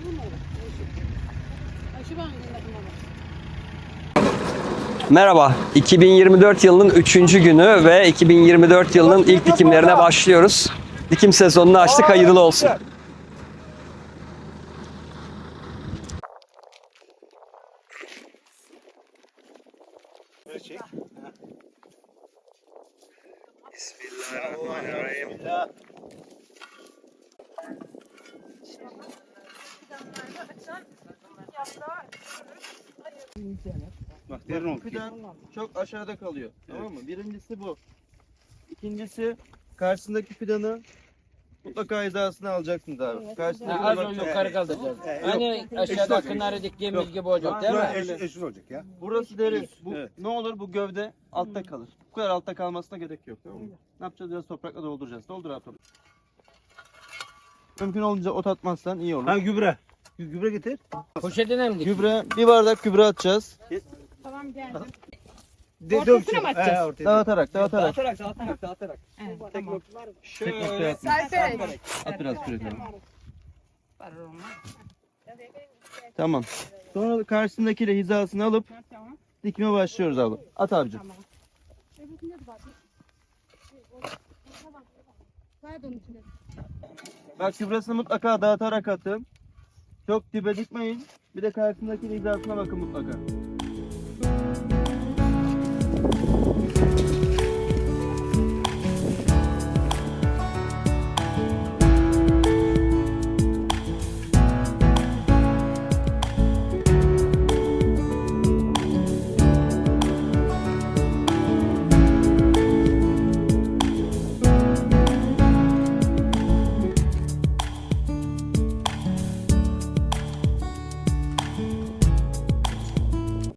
Merhaba, 2024 yılının 3. günü ve 2024 yılının ilk dikimlerine başlıyoruz. Dikim sezonunu açtık, hayırlı olsun. Bismillahirrahmanirrahim. Bak fidan çok aşağıda kalıyor. Tamam mı? Birincisi bu. İkincisi karşısındaki fidanı mutlaka hizasını alacaksınız abi. Karşısındaki Az bak önce çok- yukarı kaldıracağız. Hani aşağıda akınları diktiğimiz gibi olacak değil mi? Eşin olacak ya. Burası deriz. Bu, Evet. Ne olur bu gövde altta kalır. Bu kadar altta kalmasına gerek yok. Tamam mı? Ne yapacağız? Biraz toprakla dolduracağız. Doldur abi toprak. Mümkün olunca ot atmazsan iyi olur. Ha gübre. Gübre getir. Poşetine mi dik? Gübre, bir bardak gübre atacağız. Tamam geldim. Ortasına mı atacağız? Dağıtarak. Dağıtarak. Evet, Tek tamam. noktaya at. Serperek. At biraz küre tamam. Tamam. Sonra karşısındakiyle hizasını alıp Tamam. dikime başlıyoruz abi. At abicim. Tamam. Bak gübresini mutlaka dağıtarak atın. Çok dibe dikmeyin. Bir de karşısındaki hizasına bakın mutlaka.